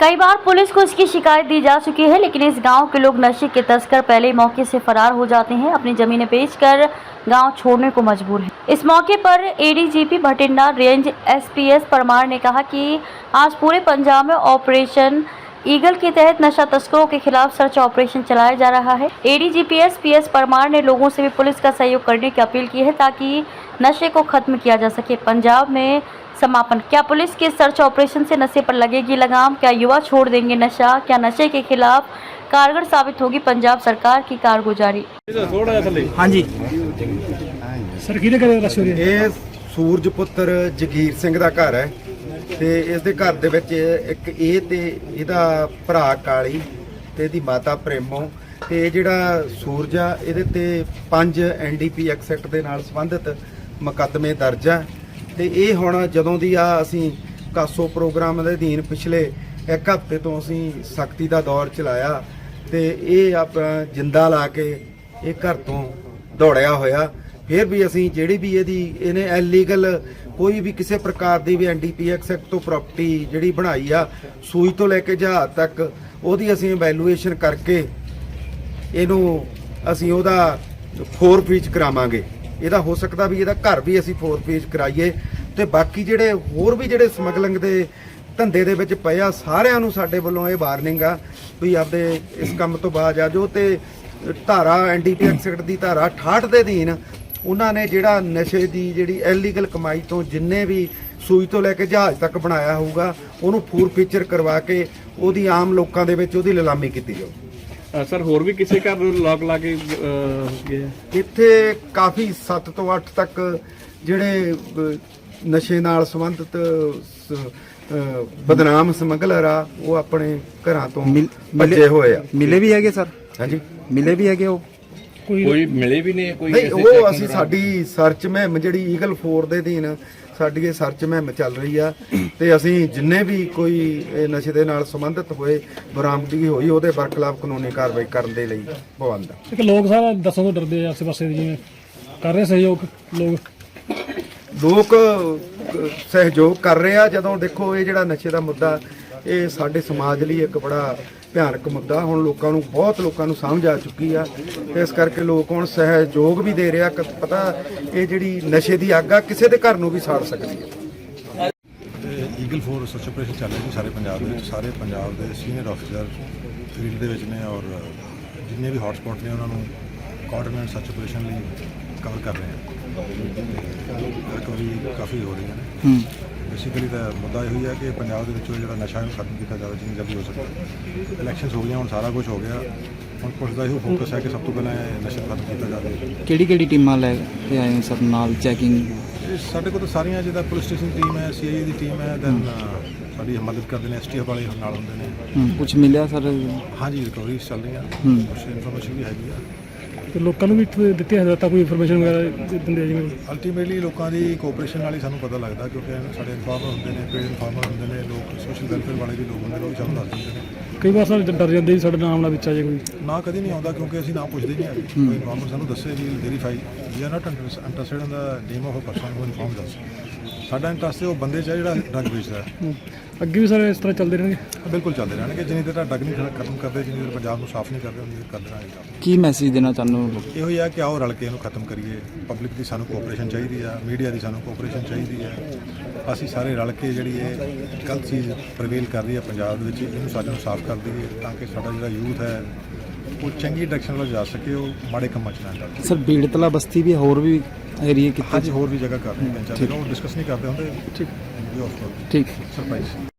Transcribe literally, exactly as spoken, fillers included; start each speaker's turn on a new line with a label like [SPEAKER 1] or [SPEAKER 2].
[SPEAKER 1] कई बार पुलिस को इसकी शिकायत दी जा चुकी है, लेकिन इस गांव के लोग नशे के तस्कर पहले ही मौके से फरार हो जाते हैं, अपनी जमीनें बेचकर गांव छोड़ने को मजबूर हैं। इस मौके पर ADGP Bathinda range SPS Parmar ने कहा कि आज पूरे पंजाब में ऑपरेशन ईगल के तहत नशा तस्करों के खिलाफ सर्च ऑपरेशन चलाया जा रहा है। एडीजीपी एसपीएस परमार ने लोगों से भी पुलिस का सहयोग करने की अपील की है ताकि नशे को खत्म किया जा सके। पंजाब में समापन। क्या पुलिस के सर्च ऑपरेशन से नशे पर लगेगी लगाम? क्या युवा छोड़ देंगे नशा? क्या नशे के खिलाफ कारगर साबित होगी पंजाब सरकार की कारगुजारी?
[SPEAKER 2] हाँ जी
[SPEAKER 3] सर किहदे घर रश हो रही है?
[SPEAKER 2] ਇਹ ਸੂਰਜ ਪੁੱਤਰ ਜਗੀਰ ਸਿੰਘ ਦਾ ਘਰ ਹੈ ਤੇ ਇਸ ਦੇ ਘਰ ਦੇ ਵਿੱਚ ਇੱਕ ਇਹ ਤੇ ਇਹਦਾ ਭਰਾ ਕਾਲੀ ਤੇ ਇਹਦੀ ਮਾਤਾ ਪ੍ਰੇਮੋ ਤੇ ਇਹ ਜਿਹੜਾ ਸੂਰਜ ਆ ਇਹਦੇ ਤੇ ਪੰਜ ਐਨਡੀਪੀ ਐਕਟ ਦੇ ਨਾਲ ਸੰਬੰਧਿਤ ਮੁਕੱਦਮੇ ਦਰਜ ਆ ਤੇ ਇਹ ਹੁਣ ਜਦੋਂ ਦੀ ਆ ਅਸੀਂ ਕਾਸੋ ਪ੍ਰੋਗਰਾਮ ਦੇ ਅਧੀਨ ਪਿਛਲੇ ਇੱਕ ਹਫ਼ਤੇ ਤੋਂ ਅਸੀਂ ਸਖਤੀ ਦਾ ਦੌਰ ਚਲਾਇਆ ਤੇ ਇਹ ਆਪਣਾ ਜਿੰਦਾ ਲਾ ਕੇ ਇਹ ਘਰ ਤੋਂ ਦੌੜਿਆ ਹੋਇਆ। ਫਿਰ ਵੀ ਅਸੀਂ ਜਿਹੜੀ ਵੀ ਇਹਦੀ ਇਹਨੇ ਇਲੀਗਲ ਕੋਈ ਵੀ ਕਿਸੇ ਪ੍ਰਕਾਰ ਦੀ ਵੀ ਐਨਡੀਪੀ ਐਕਟ ਤੋਂ ਪ੍ਰਾਪਰਟੀ ਜਿਹੜੀ ਬਣਾਈ ਆ ਸੂਈ ਤੋਂ ਲੈ ਕੇ ਜਹਾਜ਼ ਤੱਕ ਉਹਦੀ ਅਸੀਂ ਇਵੈਲੂਏਸ਼ਨ ਕਰਕੇ ਇਹਨੂੰ ਅਸੀਂ ਉਹਦਾ ਫੋਰ ਫੀਚ ਕਰਾਵਾਂਗੇ। ਇਹਦਾ ਹੋ ਸਕਦਾ ਵੀ ਇਹਦਾ ਘਰ ਵੀ ਅਸੀਂ ਫੋਰ ਫੀਚ ਕਰਾਈਏ ਤੇ ਬਾਕੀ ਜਿਹੜੇ ਹੋਰ ਵੀ ਜਿਹੜੇ ਸਮਗਲਿੰਗ ਦੇ ਧੰਦੇ ਦੇ ਵਿੱਚ ਪਏ ਆ ਸਾਰਿਆਂ ਨੂੰ ਸਾਡੇ ਵੱਲੋਂ ਇਹ ਵਾਰਨਿੰਗ ਆ ਵੀ ਆਪਦੇ ਇਸ ਕੰਮ ਤੋਂ ਬਾਅਦ ਆ ਜੋ ਤੇ ਧਾਰਾ ਐਨਡੀਪੀ ਐਕਟ ਦੀ ਧਾਰਾ ਅਠਾਹਠ ਦੇ ਅਧੀਨ ਉਹਨਾਂ ਨੇ ਜਿਹੜਾ ਨਸ਼ੇ ਦੀ ਜਿਹੜੀ ਇਲੀਗਲ ਕਮਾਈ ਤੋਂ ਜਿੰਨੇ ਵੀ ਸੂਈ ਤੋਂ ਲੈ ਕੇ ਜਹਾਜ਼ ਤੱਕ ਬਣਾਇਆ ਹੋਊਗਾ ਉਹਨੂੰ ਫੂਰ ਫੀਚਰ ਕਰਵਾ ਕੇ ਉਹਦੀ ਆਮ ਲੋਕਾਂ ਦੇ ਵਿੱਚ ਉਹਦੀ ਨਿਲਾਮੀ ਕੀਤੀ ਜਾਊ।
[SPEAKER 3] ਸਰ ਹੋਰ ਵੀ ਕਿਸੇ ਘਰ ਨੂੰ ਲੋਕ ਲਾ ਕੇ ਗਏ?
[SPEAKER 2] ਇੱਥੇ ਕਾਫੀ ਸੱਤ ਤੋਂ ਅੱਠ ਤੱਕ ਜਿਹੜੇ ਨਸ਼ੇ ਨਾਲ ਸੰਬੰਧਿਤ ਬਦਨਾਮ ਸਮਗਲਰ ਆ ਉਹ ਆਪਣੇ ਘਰਾਂ ਤੋਂ ਭੱਜੇ ਹੋਏ ਆ।
[SPEAKER 4] ਮਿਲੇ ਵੀ ਹੈਗੇ ਸਰ?
[SPEAKER 2] ਹਾਂਜੀ
[SPEAKER 4] ਮਿਲੇ ਵੀ ਹੈਗੇ ਉਹ?
[SPEAKER 3] ਕੋਈ ਮਿਲੇ ਵੀ ਨਹੀਂ ਕੋਈ?
[SPEAKER 2] ਨਹੀਂ ਉਹ ਅਸੀਂ ਸਾਡੀ ਸਰਚ ਮੁਹਿੰਮ ਜਿਹੜੀ ਈਗਲ ਫੋਰ ਦੇ ਅਧੀਨ ਸਾਡੀ ਇਹ ਸਰਚ ਮੁਹਿੰਮ ਚੱਲ ਰਹੀ ਆ ਤੇ ਅਸੀਂ ਜਿੰਨੇ ਵੀ ਕੋਈ ਇਹ ਨਸ਼ੇ ਦੇ ਨਾਲ ਸੰਬੰਧਿਤ ਹੋਏ ਬਰਾਮਦਗੀ ਹੋਈ ਉਹਦੇ ਬਰਖਲਾਫ ਕਾਨੂੰਨੀ ਕਾਰਵਾਈ ਕਰਨ ਦੇ ਲਈ ਪਾਬੰਦ ਆ।
[SPEAKER 3] ਇੱਕ ਲੋਕ ਸਾਰਾ ਦੱਸਣ ਤੋਂ ਡਰਦੇ ਆ ਆਸੇ ਪਾਸੇ ਜਿਵੇਂ ਕਰ ਰਹੇ ਸਹਿਯੋਗ ਲੋਕ
[SPEAKER 2] ਲੋਕ ਸਹਿਯੋਗ ਕਰ ਰਹੇ ਆ। ਜਦੋਂ ਦੇਖੋ ਇਹ ਜਿਹੜਾ ਨਸ਼ੇ ਦਾ ਮੁੱਦਾ ਇਹ ਸਾਡੇ ਸਮਾਜ ਲਈ ਇੱਕ ਬੜਾ ਭਿਆਨਕ ਮੁੱਦਾ ਹੁਣ ਲੋਕਾਂ ਨੂੰ ਬਹੁਤ ਲੋਕਾਂ ਨੂੰ ਸਮਝ ਆ ਚੁੱਕੀ ਆ ਇਸ ਕਰਕੇ ਲੋਕ ਹੁਣ ਸਹਿਯੋਗ ਵੀ ਦੇ ਰਿਹਾ। ਪਤਾ ਇਹ ਜਿਹੜੀ ਨਸ਼ੇ ਦੀ ਅੱਗ ਆ ਕਿਸੇ ਦੇ ਘਰ ਨੂੰ ਵੀ ਸਾੜ ਸਕਦੀ ਹੈ।
[SPEAKER 5] ਈਗਲ ਫੋਰ ਸਰਚ ਆਪਰੇਸ਼ਨ ਚੱਲ ਰਹੀ ਹੈ ਸਾਰੇ ਪੰਜਾਬ ਦੇ ਵਿੱਚ। ਸਾਰੇ ਪੰਜਾਬ ਦੇ ਸੀਨੀਅਰ ਅਫਸਰ ਫੀਲਡ ਦੇ ਵਿੱਚ ਨੇ ਔਰ ਜਿੰਨੇ ਵੀ ਹੌਟ ਸਪੌਟ ਨੇ ਉਹਨਾਂ ਨੂੰ ਕੋਆਰਡੀਨੇਟ ਸਰਚ ਆਪਰੇਸ਼ਨ ਲਈ ਕਵਰ ਕਰ ਰਹੇ ਹਾਂ। ਰਿਕਵਰੀ ਕਾਫੀ ਹੋ ਰਹੀਆਂ ਨੇ। ਬੇਸਿਕਲੀ ਤਾਂ ਮੁੱਦਾ ਇਹੋ ਹੀ ਹੈ ਕਿ ਪੰਜਾਬ ਦੇ ਵਿੱਚੋਂ ਜਿਹੜਾ ਨਸ਼ਾ ਨੂੰ ਖਤਮ ਕੀਤਾ ਜਾਵੇ ਜਿੰਨੀ ਜਲਦੀ ਹੋ ਸਕੇ। ਇਲੈਕਸ਼ਨਸ ਹੋ ਗਈਆਂ ਹੁਣ ਸਾਰਾ ਕੁਝ ਹੋ ਗਿਆ ਹੁਣ ਪੁਲਿਸ ਦਾ ਇਹੋ ਫੋਕਸ ਹੈ ਕਿ ਸਭ ਤੋਂ ਪਹਿਲਾਂ ਇਹ ਨਸ਼ਾ ਖਤਮ ਕੀਤਾ ਜਾਵੇ।
[SPEAKER 4] ਕਿਹੜੀ ਕਿਹੜੀ ਟੀਮਾਂ ਲੈ ਕੇ ਆਏ ਹੋ ਸਰ ਨਾਲ ਚੈਕਿੰਗ?
[SPEAKER 5] ਸਾਡੇ ਕੋਲ ਤਾਂ ਸਾਰੀਆਂ ਜਿੱਦਾਂ ਪੁਲਿਸ ਸਟੇਸ਼ਨ ਦੀ ਟੀਮ ਹੈ, ਸੀਆਈਏ ਦੀ ਟੀਮ ਹੈ, ਦੈਨ ਸਾਡੀ ਮਦਦ ਕਰਦੇ ਨੇ ਐਸਟੀਐਫ ਵਾਲੇ ਨਾਲ ਹੁੰਦੇ ਨੇ।
[SPEAKER 4] ਕੁਝ ਮਿਲਿਆ ਸਰ?
[SPEAKER 5] ਹਾਂਜੀ ਰਿਕਵਰੀ ਚੱਲ ਰਹੀਆਂ ਕੁਛ ਇਨਫੋਰਮੇਸ਼ਨ ਵੀ ਹੈਗੀ ਆ
[SPEAKER 3] ਤੇ ਲੋਕਾਂ ਨੂੰ ਵੀ ਦਿੱਤੀ ਹਦਾਇਤਾਂ ਕੋਈ ਇਨਫੋਰਮੇਸ਼ਨ ਵਗੈਰਾ ਦਿੰਦੇ ਆ ਜਿਵੇਂ?
[SPEAKER 5] ਅਲਟੀਮੇਟਲੀ ਲੋਕਾਂ ਦੀ ਕੋਆਪਰੇਸ਼ਨ ਨਾਲ ਹੀ ਸਾਨੂੰ ਪਤਾ ਲੱਗਦਾ ਕਿਉਂਕਿ ਸਾਡੇ ਇਨਫਾਰਮਰ ਹੁੰਦੇ ਨੇ, ਪੇਡ ਇਨਫਾਰਮਰ ਹੁੰਦੇ ਨੇ, ਲੋਕ ਸੋਸ਼ਲ ਵੈਲਫੇਅਰ ਵਾਲੇ ਵੀ ਲੋਕ ਹੁੰਦੇ ਨੇ ਉਹ ਵੀ ਸਾਨੂੰ ਦੱਸ ਦਿੰਦੇ ਨੇ।
[SPEAKER 3] ਕਈ ਵਾਰ ਸਾਡੇ ਡਰ ਜਾਂਦੇ ਜੀ ਸਾਡੇ ਨਾਮ ਨਾਲ ਵਿੱਚ ਆ ਜੇ ਕੋਈ?
[SPEAKER 5] ਨਾ ਕਦੀ ਨਹੀਂ ਆਉਂਦਾ ਕਿਉਂਕਿ ਅਸੀਂ ਨਾ ਪੁੱਛਦੇ ਨਹੀਂ ਹੈਗੇ। ਕੋਈ ਇਨਫਾਰਮਰ ਸਾਨੂੰ ਦੱਸੇ ਵੀ verify we are not interested in the name of a person who informs us. ਸਾਡਾ ਇੰਟਰਸਟ ਉਹ ਬੰਦੇ 'ਚ ਹੈ ਜਿਹੜਾ ਡਰੱਗ ਵੇਚਦਾ ਹੈ।
[SPEAKER 3] ਅੱਗੇ ਵੀ ਸਰ ਇਸ ਤਰ੍ਹਾਂ ਚੱਲਦੇ ਰਹਿਣਗੇ?
[SPEAKER 5] ਬਿਲਕੁਲ ਚੱਲਦੇ ਰਹਿਣਗੇ ਜਿੰਨੀ ਦੇਰ ਤੱਕ ਡਰੱਗ ਨਹੀਂ ਖਤਮ ਕਰਦੇ, ਜਿੰਨੀ ਦੇਰ ਪੰਜਾਬ ਨੂੰ ਸਾਫ਼ ਨਹੀਂ ਕਰਦੇ ਉਨੀ ਦੇਰ ਕਰਦੇ ਰਹਿਣਗੇ।
[SPEAKER 4] ਕੀ ਮੈਸੇਜ ਦੇਣਾ ਚਾਹੁੰਦੇ ਹੋ?
[SPEAKER 5] ਇਹੋ ਹੀ ਹੈ ਕਿ ਆਓ ਰਲ ਕੇ ਇਹਨੂੰ ਖਤਮ ਕਰੀਏ। ਪਬਲਿਕ ਦੀ ਸਾਨੂੰ ਕੋਆਪਰੇਸ਼ਨ ਚਾਹੀਦੀ ਆ, ਮੀਡੀਆ ਦੀ ਸਾਨੂੰ ਕੋਆਪਰੇਸ਼ਨ ਚਾਹੀਦੀ ਹੈ। ਅਸੀਂ ਸਾਰੇ ਰਲ ਕੇ ਜਿਹੜੀ ਇਹ ਗਲਤ ਚੀਜ਼ ਪ੍ਰਵੇਲ ਕਰ ਰਹੀ ਹੈ ਪੰਜਾਬ ਦੇ ਵਿੱਚ ਇਹਨੂੰ ਸਾਡੇ ਨੂੰ ਸਾਫ਼ ਕਰ ਦਈਏ ਤਾਂ ਕਿ ਸਾਡਾ ਜਿਹੜਾ ਯੂਥ ਹੈ ਉਹ ਚੰਗੀ ਡਾਇਰੈਕਸ਼ਨ ਵੱਲ ਜਾ ਸਕੇ, ਉਹ ਮਾੜੇ ਕੰਮਾਂ 'ਚ ਨਾ ਜਾਵੇ।
[SPEAKER 4] ਸਰ ਬੀੜਤਲਾ ਬਸਤੀ ਵੀ ਹੋਰ ਵੀ ਏਰੀਏ ਕਿਤੇ?
[SPEAKER 5] ਹਾਂਜੀ ਹੋਰ ਵੀ ਜਗ੍ਹਾ ਕਰ ਰਹੇ ਨੇ, ਉਹ ਡਿਸਕਸ ਨਹੀਂ ਕਰਦੇ ਹੁੰਦੇ।
[SPEAKER 4] ਠੀਕ ਠੀਕ
[SPEAKER 5] ਸਰਪ੍ਰਾਈਜ਼।